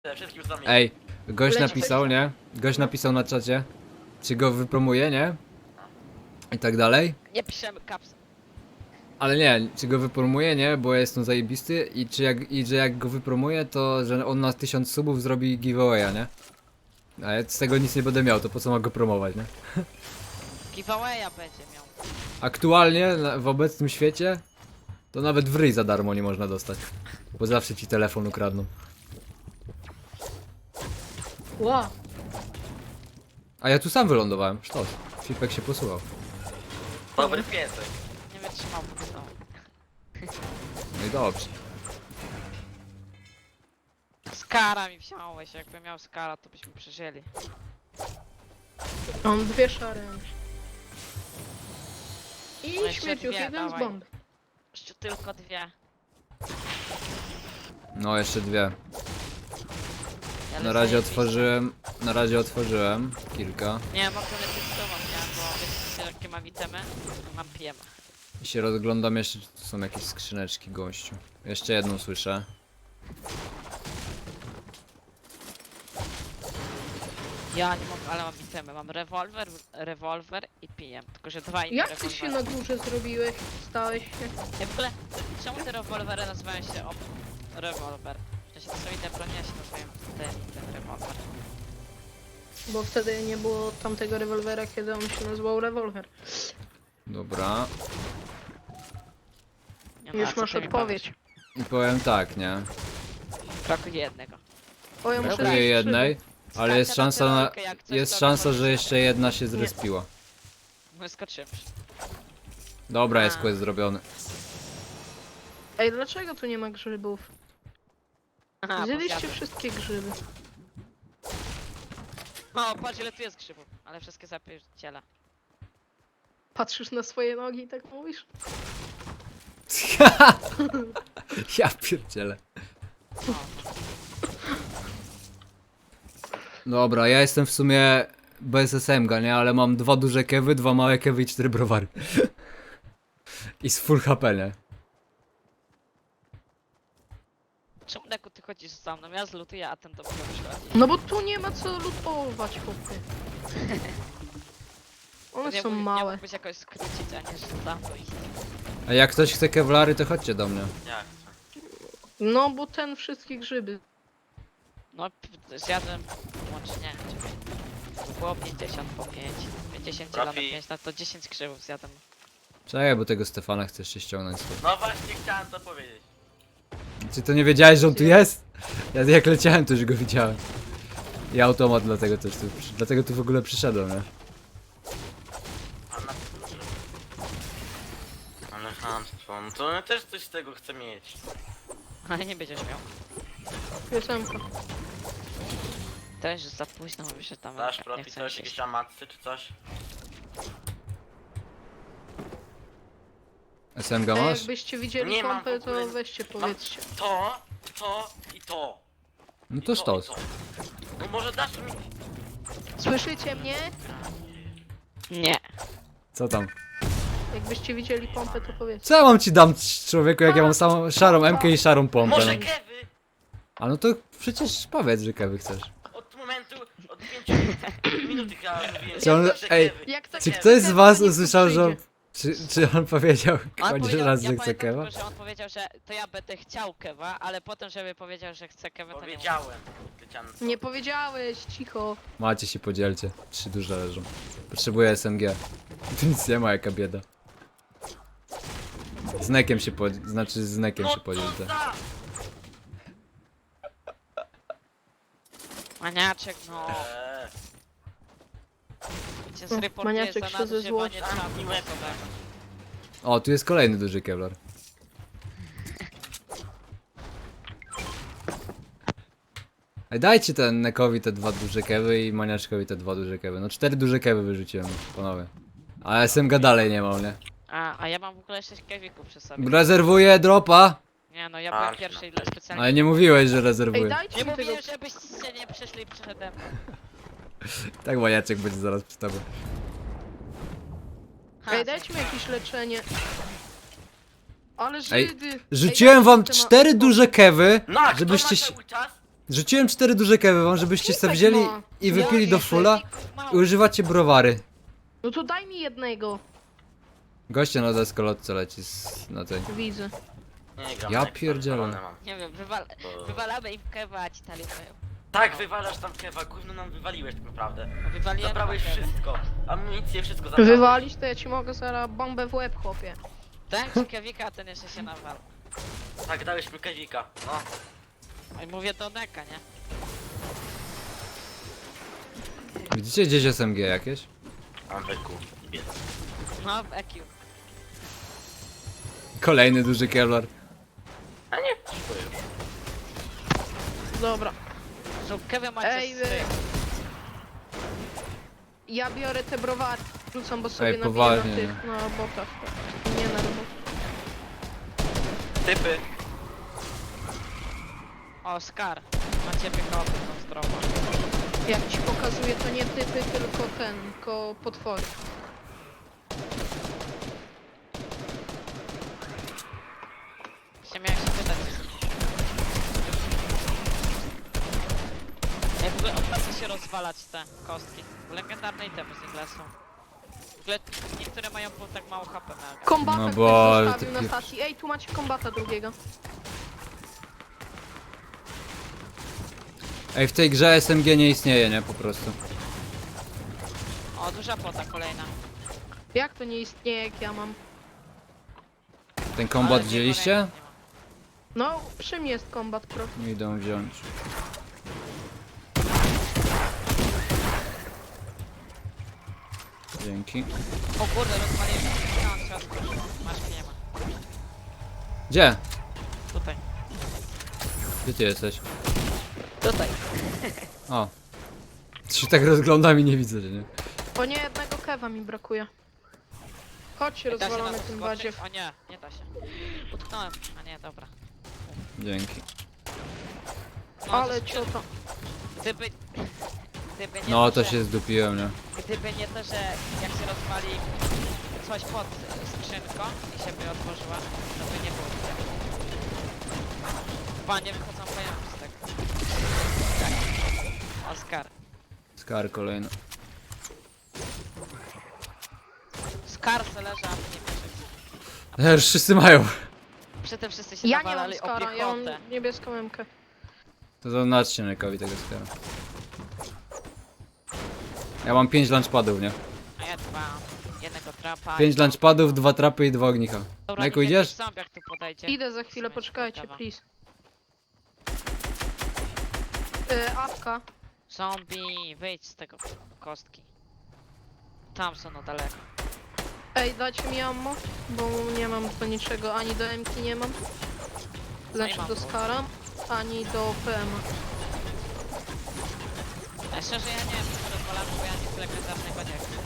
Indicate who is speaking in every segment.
Speaker 1: Wszystkim za mnie.
Speaker 2: Ej, gość
Speaker 3: Leci
Speaker 2: napisał, nie? Gość napisał na czacie, czy go wypromuje, nie? I tak dalej.
Speaker 3: Nie piszemy kaps.
Speaker 2: Ale nie, czy go wypromuje, nie? Bo jest on zajebisty i że jak go wypromuje, to że on na 1000 subów zrobi giveawaya, nie? A ja z tego nic nie będę miał, to po co ma go promować, nie?
Speaker 3: Giveawaya będzie miał.
Speaker 2: Aktualnie w obecnym świecie to nawet w ryj za darmo nie można dostać. Bo zawsze ci telefon ukradną.
Speaker 3: Wow.
Speaker 2: A ja tu sam wylądowałem, sztos. Filipek się posłuchał.
Speaker 1: Dobry piesek.
Speaker 3: Nie wytrzymał po prostu.
Speaker 2: No i dobrze.
Speaker 3: Skara mi wziąłeś, jakby miał skara, to byśmy przeżyli.
Speaker 4: Mam dwie szare. I
Speaker 3: No jeszcze
Speaker 4: śmierciuch,
Speaker 3: dwie,
Speaker 4: jeden z
Speaker 3: dawaj.
Speaker 4: bomb.
Speaker 3: Jeszcze tylko dwie.
Speaker 2: No jeszcze dwie.
Speaker 3: Ja
Speaker 2: Na
Speaker 3: lecę
Speaker 2: razie
Speaker 3: jakiś-
Speaker 2: otworzyłem kilka.
Speaker 3: Nie, mogę lecieć z tobą, nie? Bo wiecie, jakie mam itemy? Mam pijemy.
Speaker 2: I się rozglądam jeszcze, czy tu są jakieś skrzyneczki, gościu. Jeszcze jedną słyszę.
Speaker 3: Ja nie mogę, ale mam itemy. Mam rewolwer i pijem. Tylko, że dwa inne
Speaker 4: Jak ty się na górze zrobiłeś? Stałeś się?
Speaker 3: Ja w ogóle, czemu te rewolwery nazywają się rewolwer? W sensie to są inne broni, a się nazywają ten rewolwer.
Speaker 4: Bo wtedy nie było tamtego rewolwera, kiedy on się nazywał rewolwer.
Speaker 2: Dobra.
Speaker 3: Nie, no,
Speaker 4: Już
Speaker 3: a co
Speaker 4: masz
Speaker 3: ty mi
Speaker 4: odpowiedź.
Speaker 2: I powiem tak, nie?
Speaker 3: powiesz? Brakuje jednego.
Speaker 4: O, ja muszę
Speaker 2: Brakuje
Speaker 4: iść
Speaker 2: jednej, ale jest
Speaker 3: Skaczę na
Speaker 2: szansa
Speaker 3: tyrolkę, jak coś,
Speaker 2: jest
Speaker 3: to
Speaker 2: szansa,
Speaker 3: możesz-
Speaker 2: że jeszcze jedna się zrespiła.
Speaker 3: My skoczymy.
Speaker 2: Dobra, jest
Speaker 3: A.
Speaker 2: quest zrobiony.
Speaker 4: Ej, dlaczego tu nie ma grzybów?
Speaker 3: Aha, bo
Speaker 4: Zjedliście
Speaker 3: zjadłem.
Speaker 4: wszystkie grzyby.
Speaker 3: O, patrz ile tu jest grzybów, ale wszystkie zapierdziela.
Speaker 4: Patrzysz na swoje nogi i tak mówisz?
Speaker 2: Ja pierdzielę.
Speaker 3: O,
Speaker 2: Dobra, ja jestem w sumie bez SMG, nie? Ale mam 2 duże kewy, 2 małe kewy i 4 browary. I z full HP, nie?
Speaker 3: czemu Deku ty chodzisz za mną? Ja zlutuję, a ten dopiero przychodzi.
Speaker 4: No bo tu nie ma co lutować, chłopie. One
Speaker 3: Nie
Speaker 4: są
Speaker 3: Nie
Speaker 4: małe.
Speaker 3: mógłbyś jakoś skrócić, a nie że za mną iść.
Speaker 2: A jak ktoś chce kewlary, to chodźcie do mnie.
Speaker 1: Jak?
Speaker 4: No bo ten wszystkie grzyby.
Speaker 3: No, zjadłem łącznie, czekaj. Było 50 po 5. 50 dzielone na
Speaker 1: Trafi.
Speaker 3: 5, no to 10 grzybów zjadłem.
Speaker 2: Czekaj, bo tego Stefana chcesz się ściągnąć stąd.
Speaker 1: No właśnie chciałem to powiedzieć.
Speaker 2: Czy to nie wiedziałeś, że on tu jest? Ja jak leciałem, to już go widziałem. I automat dlatego też tu, dlatego tu w ogóle przyszedłem, nie?
Speaker 1: Ale chamstwo, no to ja też coś z tego chcę mieć.
Speaker 3: Ale nie będziesz miał.
Speaker 4: Piosenka.
Speaker 3: Też za późno mówisz, że tam
Speaker 1: Dasz
Speaker 3: nie
Speaker 1: profi
Speaker 3: chcę
Speaker 1: coś,
Speaker 3: iść.
Speaker 1: jakieś amacy czy coś?
Speaker 2: SMG
Speaker 4: Ej,
Speaker 2: masz?
Speaker 4: jakbyście widzieli
Speaker 1: Nie mam
Speaker 4: pompę,
Speaker 1: w ogóle-
Speaker 4: to weźcie,
Speaker 1: Mam
Speaker 4: powiedzcie.
Speaker 1: to i to.
Speaker 2: No
Speaker 1: I
Speaker 2: to sztos.
Speaker 1: i to. No może dasz mi...
Speaker 4: Słyszycie mnie?
Speaker 3: Nie.
Speaker 2: Co tam?
Speaker 4: Jakbyście widzieli pompę, to powiedzcie.
Speaker 2: Co ja mam ci dam, człowieku, jak ja mam samą szarą MK i szarą pompę?
Speaker 1: Może
Speaker 2: No.
Speaker 1: kewy?
Speaker 2: A no to przecież powiedz, że kewy chcesz.
Speaker 1: Od momentu, od 5 minut chyba mówiłem,
Speaker 2: Czy on-
Speaker 1: że
Speaker 2: ej,
Speaker 1: kewy.
Speaker 4: Jak tak
Speaker 2: Czy
Speaker 4: kewy,
Speaker 2: ktoś z
Speaker 4: to
Speaker 2: was
Speaker 4: niech tu
Speaker 2: usłyszał, że...
Speaker 4: przyjdzie.
Speaker 2: Czy on powiedział
Speaker 3: On
Speaker 2: chociaż
Speaker 3: powiedział,
Speaker 2: raz,
Speaker 3: ja
Speaker 2: że chce
Speaker 3: pamiętam
Speaker 2: kewa?
Speaker 3: tylko, że on powiedział, że to ja będę chciał kewa, ale potem, żeby powiedział, że chce kewa, to nie
Speaker 1: Powiedziałem. Leciałem.
Speaker 4: Nie powiedziałeś, cicho.
Speaker 2: Macie się podzielcie. 3 duże leżą. Potrzebuję SMG. Tu nic nie ma, jaka bieda. Z nekiem się podziel... Znaczy z nekiem
Speaker 1: No
Speaker 2: się podziel.
Speaker 1: co
Speaker 2: tak.
Speaker 1: za...
Speaker 3: Maniaczek, no. Cię zreportuję
Speaker 4: Maniaczek
Speaker 3: za
Speaker 4: się ze
Speaker 3: nadużywanie
Speaker 4: złości.
Speaker 3: czatu.
Speaker 1: Miłego.
Speaker 2: O, tu jest kolejny duży kevlar. Ej, dajcie ten nekowi te 2 duże kewy i maniaczkowi te 2 duże kewy. No 4 duże kewy wyrzuciłem, panowie. A SMG dalej nie mam, nie?
Speaker 3: A ja mam w ogóle 6 kewików przy sobie.
Speaker 2: Rezerwuję dropa!
Speaker 3: Nie no, ja byłem
Speaker 1: Patrz
Speaker 3: pierwszy i
Speaker 1: na to.
Speaker 3: specjalnie...
Speaker 2: Ale nie mówiłeś, że
Speaker 4: Ej,
Speaker 2: rezerwuję.
Speaker 4: dajcie
Speaker 3: Nie
Speaker 4: mi tego...
Speaker 3: mówiłem, żebyście nie przyszli przede mną.
Speaker 2: Tak maniaczek będzie zaraz przy tobie.
Speaker 3: Ha,
Speaker 4: Ej, dajcie mi jakieś leczenie. Ale
Speaker 2: Ej,
Speaker 4: Żydy!
Speaker 2: Rzuciłem wam
Speaker 4: dajcie mi
Speaker 2: 4
Speaker 4: temat-
Speaker 2: duże kewy,
Speaker 1: No, a kto ma
Speaker 2: żebyście się...
Speaker 1: cały czas?
Speaker 2: Rzuciłem 4 duże kewy wam, żebyście sobie
Speaker 4: Pipek
Speaker 2: wzięli
Speaker 4: ma.
Speaker 2: i wypili do
Speaker 4: Jakie
Speaker 2: fulla i używacie browary.
Speaker 4: No to daj mi jednego.
Speaker 2: Goście na deskolotce leci na tej.
Speaker 4: Widzę.
Speaker 1: Nie gram.
Speaker 2: Ja
Speaker 1: na Xbox,
Speaker 2: pierdzielę.
Speaker 1: ale mam.
Speaker 3: Nie wiem,
Speaker 1: Bo-
Speaker 3: wywalamy im kewa, a ci talibają.
Speaker 1: Tak, wywalasz tam kewa, gówno nam wywaliłeś tak naprawdę.
Speaker 3: Wywaliłem
Speaker 1: Zabrałeś
Speaker 3: kewa.
Speaker 1: wszystko. Amunicję, wszystko zabrałeś.
Speaker 4: Wywalić to ja ci mogę zaraz bombę w łeb, chłopie.
Speaker 3: Dałem ci kewika, a ten jeszcze się nawal.
Speaker 1: Tak, dałeś mi kewika. No.
Speaker 3: I mówię do Neka, nie?
Speaker 2: Widzicie gdzieś SMG jakieś?
Speaker 1: Mam wyku. Biec.
Speaker 3: No, w EQ.
Speaker 2: Kolejny duży Kevlar.
Speaker 1: A nie, dziękuję już.
Speaker 4: Dobra.
Speaker 3: So, kewy macie
Speaker 4: Ej,
Speaker 3: z
Speaker 4: wy-
Speaker 3: tych.
Speaker 4: Ja biorę te browary. Rzucam, bo sobie
Speaker 2: Ej,
Speaker 4: nabiję
Speaker 2: poważnie,
Speaker 4: na tych, na botach. Nie na robot.
Speaker 1: Typy.
Speaker 3: O, Scar. Macie piechotę, tą zdrową.
Speaker 4: Jak ci pokazuję, to nie typy, tylko tylko potwory.
Speaker 3: Się miałem się pytać. Ej, w ogóle opłaca się rozwalać te kostki. Legendarne itemy z nich lecą. W ogóle niektóre mają po tak mało HP mega.
Speaker 4: Kombata
Speaker 2: No
Speaker 4: ktoś
Speaker 2: bo
Speaker 4: zostawił
Speaker 2: ty
Speaker 4: na
Speaker 2: pier-
Speaker 4: stacji. Ej, tu macie kombata drugiego.
Speaker 2: Ej, w tej grze SMG nie istnieje, nie? Po prostu.
Speaker 3: O, duża pota kolejna.
Speaker 4: Jak to nie istnieje, jak ja mam?
Speaker 2: Ten kombat
Speaker 3: Ale
Speaker 2: wzięliście?
Speaker 3: nie ma.
Speaker 4: No, przy mnie jest kombat pro.
Speaker 2: Idą wziąć. Dzięki.
Speaker 3: O kurde, rozwaliłem. No, trzeba spróbować. Masz, nie ma.
Speaker 2: Gdzie?
Speaker 3: Tutaj.
Speaker 2: Gdzie ty jesteś?
Speaker 3: Tutaj.
Speaker 2: O. Się tak rozglądam i nie widzę, że nie.
Speaker 4: O nie, jednego kewa mi brakuje. Chodź,
Speaker 3: Da się na
Speaker 4: rozwalamy
Speaker 3: to
Speaker 4: tym
Speaker 3: skoczyć?
Speaker 4: badziew.
Speaker 3: O nie, nie da się. Utknąłem. A nie, dobra.
Speaker 2: Dzięki.
Speaker 3: No,
Speaker 4: Ale
Speaker 3: to-
Speaker 4: ciota.
Speaker 3: Gdyby... Gdyby nie
Speaker 2: No to
Speaker 3: że-
Speaker 2: się zdupiłem, nie?
Speaker 3: Gdyby nie to, że jak się rozwali coś pod skrzynką i się by otworzyła, to by nie było tego. Panie wychodzą pojemki z tego. Tak. Oskar.
Speaker 2: Skar kolejny.
Speaker 3: Skar se leży, a my nie bierzemy.
Speaker 2: Już wszyscy mają.
Speaker 3: Przy tym wszyscy się
Speaker 4: Ja nie mam
Speaker 3: nawalali o
Speaker 4: skara, ja
Speaker 3: piechotę.
Speaker 4: mam niebieską emkę.
Speaker 2: To zaznaczcie Nekowi tego skara. Ja mam 5 lunchpadów, nie?
Speaker 3: A ja dwa. Jednego trapa.
Speaker 2: 5 lunchpadów, 2 trapy i 2 ognicha.
Speaker 3: Dobra,
Speaker 2: Neku,
Speaker 3: niech
Speaker 2: idziesz?
Speaker 3: jakiś zombiak tu podejdzie.
Speaker 4: Idę za chwilę,
Speaker 3: Musimy się
Speaker 4: poczekajcie,
Speaker 3: poddawa.
Speaker 4: please. Awka.
Speaker 3: Zombie, wyjdź z tego kostki. Tam są na daleko.
Speaker 4: Ej, dajcie mi ammo, bo nie mam do niczego, ani do MK nie mam. Znaczy
Speaker 3: mam
Speaker 4: do
Speaker 3: to.
Speaker 4: Skara, ani do PM.
Speaker 3: A szczerze ja nie wiem, czy rozwalam, bo ja nic legendarnego nie chcę.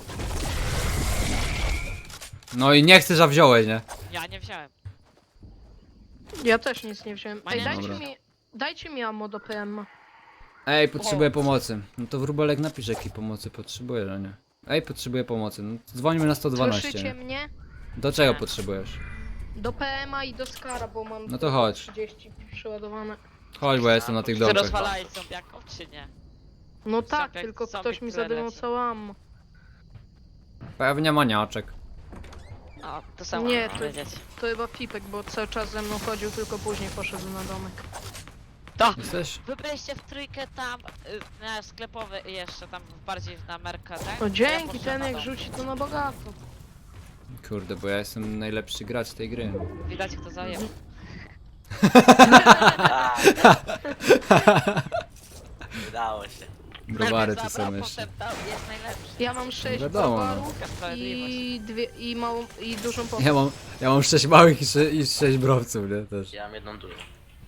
Speaker 2: No i nie chcesz, a wziąłeś, nie?
Speaker 3: Ja nie wziąłem.
Speaker 4: Ja też nic nie wziąłem. Ej,
Speaker 3: Dobra.
Speaker 4: dajcie mi ammo do PM.
Speaker 2: Ej, potrzebuję pomocy. No to wróbelek napisz jakiej pomocy potrzebujesz, a nie? Ej, potrzebuję pomocy. No dzwońmy na 112.
Speaker 4: Słyszycie
Speaker 2: Nie?
Speaker 4: mnie?
Speaker 2: Do czego
Speaker 3: Nie.
Speaker 2: potrzebujesz?
Speaker 4: Do PM i do Skara, bo mam
Speaker 2: No to chodź.
Speaker 4: 30 przeładowane.
Speaker 2: Chodź, bo ja jestem na tych
Speaker 3: Czy
Speaker 2: domkach.
Speaker 3: rozwalałeś zombiaków, czy nie?
Speaker 4: No tak,
Speaker 3: Zombiak-
Speaker 4: tylko
Speaker 3: zombie,
Speaker 4: ktoś mi
Speaker 3: które
Speaker 4: zadymał
Speaker 3: leci.
Speaker 4: całe ammo.
Speaker 2: Pewnie maniaczek.
Speaker 3: O, to samo
Speaker 4: Nie,
Speaker 3: nie,
Speaker 4: to-
Speaker 3: powiedzieć.
Speaker 4: To chyba Pipek, bo cały czas ze mną chodził, tylko później poszedł na domek.
Speaker 3: To!
Speaker 2: Jesteś?
Speaker 3: Wy byliście w trójkę tam, na sklepowy i jeszcze tam bardziej na Merka, tak?
Speaker 4: O
Speaker 3: Ja
Speaker 4: dzięki,
Speaker 3: poszedłem
Speaker 4: ten
Speaker 3: na
Speaker 4: jak
Speaker 3: dom.
Speaker 4: rzuci to na bogato.
Speaker 2: Kurde, bo ja jestem najlepszy gracz tej gry.
Speaker 3: Widać kto zajebał.
Speaker 1: Udało się.
Speaker 2: Browary tu
Speaker 3: Najpierw
Speaker 2: są
Speaker 3: zabrał,
Speaker 2: jeszcze.
Speaker 3: potem dał, jest najlepszy.
Speaker 4: Ja mam 6
Speaker 2: wiadomo, no.
Speaker 4: browarów
Speaker 3: Taka sprawiedliwość.
Speaker 4: i małą i dużą pompę.
Speaker 2: Ja mam 6 małych i 6 browców, nie? Też.
Speaker 1: Ja mam jedną dużą.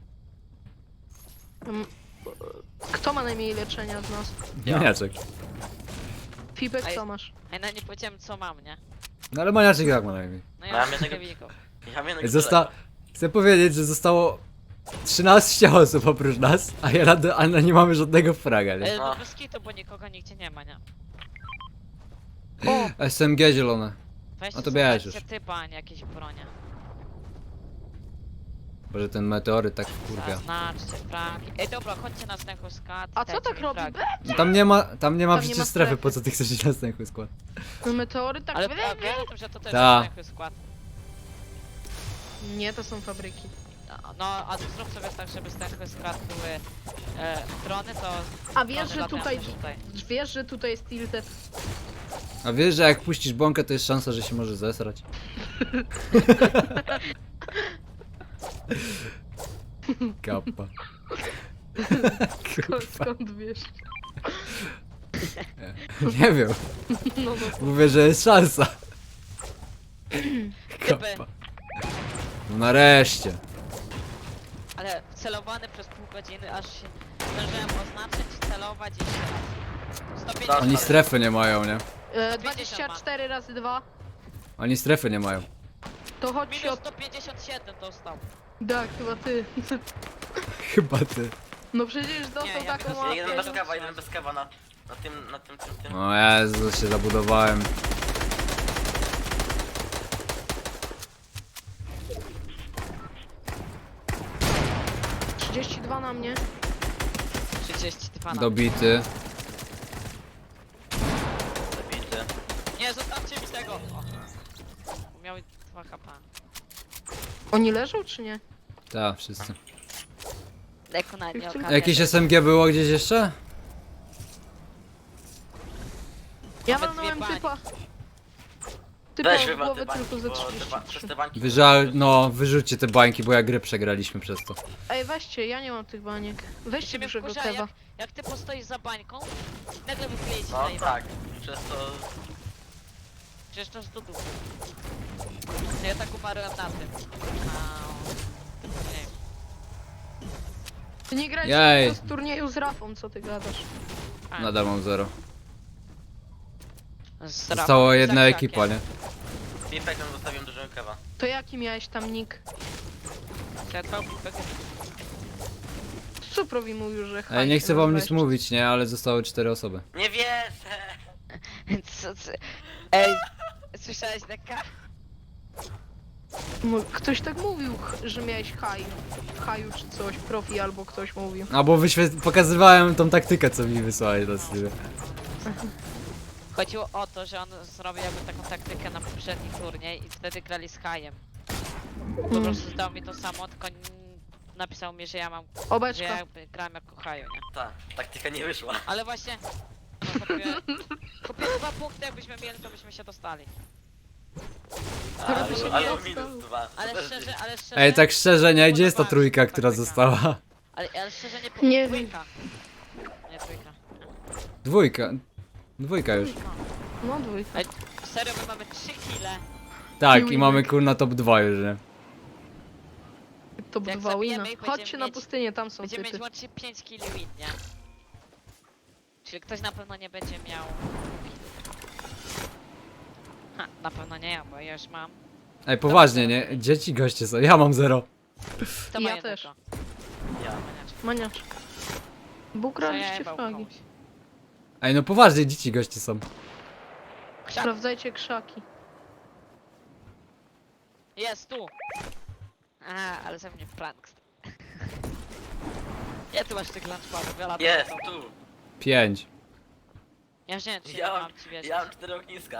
Speaker 4: Kto ma najmniej leczenia z nas?
Speaker 1: Ja.
Speaker 2: Maniaczek.
Speaker 4: Pipek,
Speaker 3: A
Speaker 4: co
Speaker 3: jest-
Speaker 4: masz?
Speaker 3: Ej, no nie powiedziałem co mam, nie?
Speaker 2: No ale maniaczek jak ma najmniej.
Speaker 3: No
Speaker 1: Ja
Speaker 3: ja
Speaker 1: mam
Speaker 3: mam
Speaker 1: jednego-
Speaker 3: kewików.
Speaker 1: Ja mam jednego
Speaker 2: Chcę powiedzieć, że zostało 13 osób oprócz nas, a nie mamy żadnego fraga, nie?
Speaker 3: No
Speaker 1: No.
Speaker 3: bez kitu, bo nikogo nigdzie nie ma, nie?
Speaker 4: O,
Speaker 2: SMG zielone.
Speaker 3: Weźcie
Speaker 2: No to bierz
Speaker 3: zobaczcie
Speaker 2: już.
Speaker 3: typa, a nie jakieś bronie.
Speaker 2: Boże, ten meteoryt tak wkurwia.
Speaker 3: Zaznaczcie fragi. Ej, dobra, chodźcie na stęchu skład.
Speaker 4: A co tak robi?
Speaker 2: No tam nie ma
Speaker 4: nie
Speaker 2: przecież
Speaker 4: ma
Speaker 2: strefy,
Speaker 4: strefy.
Speaker 2: po co ty chcesz iść na następny skład?
Speaker 4: No meteory tak...
Speaker 3: Ale a wiesz o tym, że to też
Speaker 2: Ta.
Speaker 3: jest stęchu skład.
Speaker 4: Nie, to są fabryki.
Speaker 3: No, a zrób sobie tak, żeby stęchu skład były drony, to...
Speaker 4: A wiesz,
Speaker 3: drony
Speaker 4: że
Speaker 3: latają
Speaker 4: tutaj...
Speaker 3: też tutaj.
Speaker 4: Wiesz, że tutaj jest tilted.
Speaker 2: A wiesz, że jak puścisz bąkę, to jest szansa, że się może zesrać? Kappa. Kurwa,
Speaker 4: Skąd wiesz?
Speaker 2: nie wiem.
Speaker 4: No,
Speaker 2: Mówię, że jest szansa. Kappa. No nareszcie.
Speaker 3: Ale celowany przez pół godziny, aż się zdążyłem oznaczyć, celować i jeszcze raz. 150.
Speaker 2: Oni strefy nie mają, nie?
Speaker 4: 24 razy 2.
Speaker 2: Oni strefy nie mają.
Speaker 4: To chodź się
Speaker 3: Minus
Speaker 4: od...
Speaker 3: 157 dostał.
Speaker 4: Tak, chyba ty.
Speaker 2: Chyba ty.
Speaker 4: No przecież dostał
Speaker 3: Nie, ja
Speaker 4: taką
Speaker 3: minus
Speaker 1: Ja jeden
Speaker 4: łapkę.
Speaker 1: bez kawa, jeden bez kawa na tym.
Speaker 2: O Jezu, się zabudowałem.
Speaker 4: No. 32 na mnie.
Speaker 3: 32 na...
Speaker 2: Dobity.
Speaker 1: Zabity.
Speaker 3: Nie, zostawcie mi tego! O. Miał 2 HP.
Speaker 4: Oni leżą czy nie?
Speaker 2: Tak, wszyscy.
Speaker 3: Leko na nie
Speaker 2: A jakieś SMG było gdzieś jeszcze?
Speaker 4: Ja
Speaker 3: Mamy
Speaker 4: walnąłem
Speaker 3: dwie
Speaker 4: typa. Typa
Speaker 1: Weź
Speaker 4: w
Speaker 1: chyba
Speaker 4: głowę
Speaker 1: te bańki,
Speaker 4: tylko ze
Speaker 1: bo
Speaker 4: 33.
Speaker 1: przez te bańki...
Speaker 2: No, wyrzućcie te bańki, bo ja grę przegraliśmy przez to.
Speaker 4: Ej, weźcie, ja nie mam tych baniek. Weźcie
Speaker 3: Ciebie
Speaker 4: dużego
Speaker 3: wkurza,
Speaker 4: kewa.
Speaker 3: jak ty postoisz za bańką, nagle wychleje ci
Speaker 1: No
Speaker 3: na jego.
Speaker 1: tak, przez to...
Speaker 3: Przecież to z dupy. Ja tak umarłem na tym. Nie.
Speaker 4: Ty nie grać
Speaker 2: Jej.
Speaker 4: z turnieju z Rafą, co ty gadasz?
Speaker 3: A,
Speaker 2: Nadal mam 0.
Speaker 3: z
Speaker 2: Została
Speaker 3: Rafą,
Speaker 2: jedna
Speaker 3: z
Speaker 2: ekipa, nie?
Speaker 1: Pipek zostawiłem dużego kawa.
Speaker 4: To jaki miałeś tam nick? Suprowi mówił, że
Speaker 2: Ej, nie
Speaker 4: hajs
Speaker 2: chcę wam nic
Speaker 4: nazywałeś.
Speaker 2: mówić, nie? Ale zostały 4 osoby.
Speaker 1: Nie wierzę!
Speaker 3: Co? Ej, słyszałeś Deka?
Speaker 4: Ktoś tak mówił, że miałeś haju czy coś, profi albo ktoś mówił.
Speaker 2: A bo pokazywałem tą taktykę, co mi wysłałeś na Steamie.
Speaker 3: Chodziło o to, że on zrobił jakby taką taktykę na poprzedni turniej i wtedy grali z Hajem. Po prostu zdał mi to samo, tylko napisał mi, że ja mam, że
Speaker 4: Obeczka.
Speaker 3: ja jakby gram jako Haju, nie?
Speaker 1: Ta taktyka nie wyszła.
Speaker 3: Ale właśnie, no, kupię 2 punkty, jakbyśmy mieli, to byśmy się dostali.
Speaker 4: Teraz by się
Speaker 1: Ale
Speaker 4: nie
Speaker 1: minus
Speaker 4: dostał.
Speaker 1: 2.
Speaker 3: Ale szczerze,
Speaker 2: Ej, tak szczerze, nie? Gdzie jest ta
Speaker 3: Podobała mi się
Speaker 2: trójka,
Speaker 3: ta
Speaker 2: która
Speaker 3: taktyka.
Speaker 2: została?
Speaker 3: ale szczerze
Speaker 4: Nie
Speaker 3: trójka. Nie trójka.
Speaker 2: Dwójka. Dwójka już.
Speaker 4: No dwójka.
Speaker 3: Ej, serio, my mamy 3 kile.
Speaker 2: Tak, i
Speaker 4: Winek.
Speaker 2: mamy kurna top 2 już, nie?
Speaker 4: To
Speaker 3: Jak
Speaker 4: dwa
Speaker 3: zabijemy
Speaker 4: wina.
Speaker 3: ich, będziemy
Speaker 4: Chodźcie na
Speaker 3: mieć-
Speaker 4: pustynię, tam są
Speaker 3: Będziemy
Speaker 4: typy.
Speaker 3: mieć łącznie 5 kili win, nie? Czyli ktoś na pewno nie będzie miał... Ha, na pewno nie ja, bo ja już mam.
Speaker 2: Ej, poważnie, nie? Dzieci goście są, ja mam 0.
Speaker 3: To
Speaker 4: Ja
Speaker 3: ma
Speaker 4: też.
Speaker 3: jednego.
Speaker 1: Ja.
Speaker 4: Maniacz. Bo
Speaker 3: Co ja
Speaker 4: ukraliście
Speaker 3: jebał
Speaker 4: fragi.
Speaker 3: komuś.
Speaker 2: Ej, no poważnie, dzieci goście są.
Speaker 3: Krzak.
Speaker 4: Sprawdzajcie krzaki.
Speaker 3: Jest tu! A, ale ze mnie prank. Ja tu masz tych lunchpadów, ja latam.
Speaker 1: Jest,
Speaker 3: za tobą.
Speaker 1: tu!
Speaker 2: 5.
Speaker 3: Ja już nie wiem, czy
Speaker 1: Ja
Speaker 3: ja
Speaker 1: mam,
Speaker 3: mam ci wiedzieć.
Speaker 1: ja mam 4 ogniska.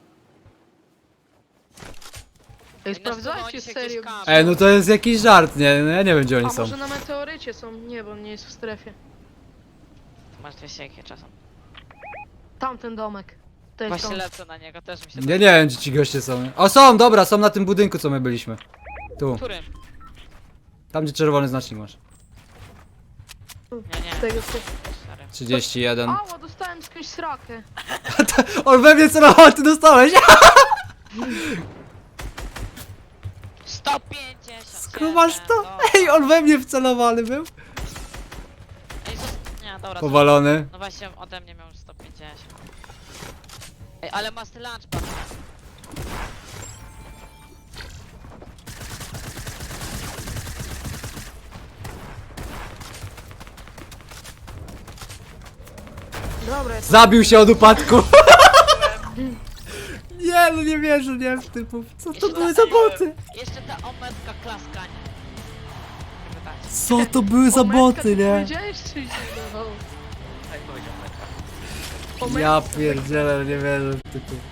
Speaker 4: Ej,
Speaker 3: Ej, no
Speaker 4: sprawdzajcie
Speaker 3: oni się
Speaker 4: serio.
Speaker 3: gdzieś
Speaker 2: Ej, no to jest jakiś żart, nie? No ja nie wiem, gdzie
Speaker 4: A
Speaker 2: oni są.
Speaker 4: może na meteorycie są? Nie, bo on nie jest w strefie.
Speaker 3: Tu masz 200 jakie czasem.
Speaker 4: Tamten domek. To jest
Speaker 3: Właśnie
Speaker 4: on.
Speaker 3: lecę na niego, też mi się
Speaker 2: Ja nie wiem, gdzie ci goście są. O, są, dobra, są na tym budynku, co my byliśmy. Tu,
Speaker 3: Którym?
Speaker 2: tam gdzie czerwony znacznik masz.
Speaker 3: Nie, nie.
Speaker 4: Tego ty.
Speaker 3: Sorry.
Speaker 2: 31.
Speaker 4: Ała, dostałem skądś srakę.
Speaker 2: On we mnie celował, ty dostałeś!
Speaker 3: 150!
Speaker 2: Skrumasz to? Ej, on we mnie wcelowany był.
Speaker 3: Ej, nie, dobra.
Speaker 2: Powalony.
Speaker 3: No właśnie ode mnie miał 150. Ej, ale masz ty lunchpad.
Speaker 4: Dobra, ja to...
Speaker 2: Zabił się od upadku. Nie, no nie wierzę, nie w typów. Co to
Speaker 3: Jeszcze
Speaker 2: były
Speaker 3: ta-
Speaker 2: za boty?
Speaker 3: Jeszcze ta ometka klaskania.
Speaker 2: Co to były za
Speaker 4: Ometka,
Speaker 2: boty,
Speaker 4: ty
Speaker 2: nie?
Speaker 4: powiedziałeś, czy się dawał?
Speaker 1: Tak powiedział Metka.
Speaker 2: Ja pierdzielę, nie wierzę w tytuł.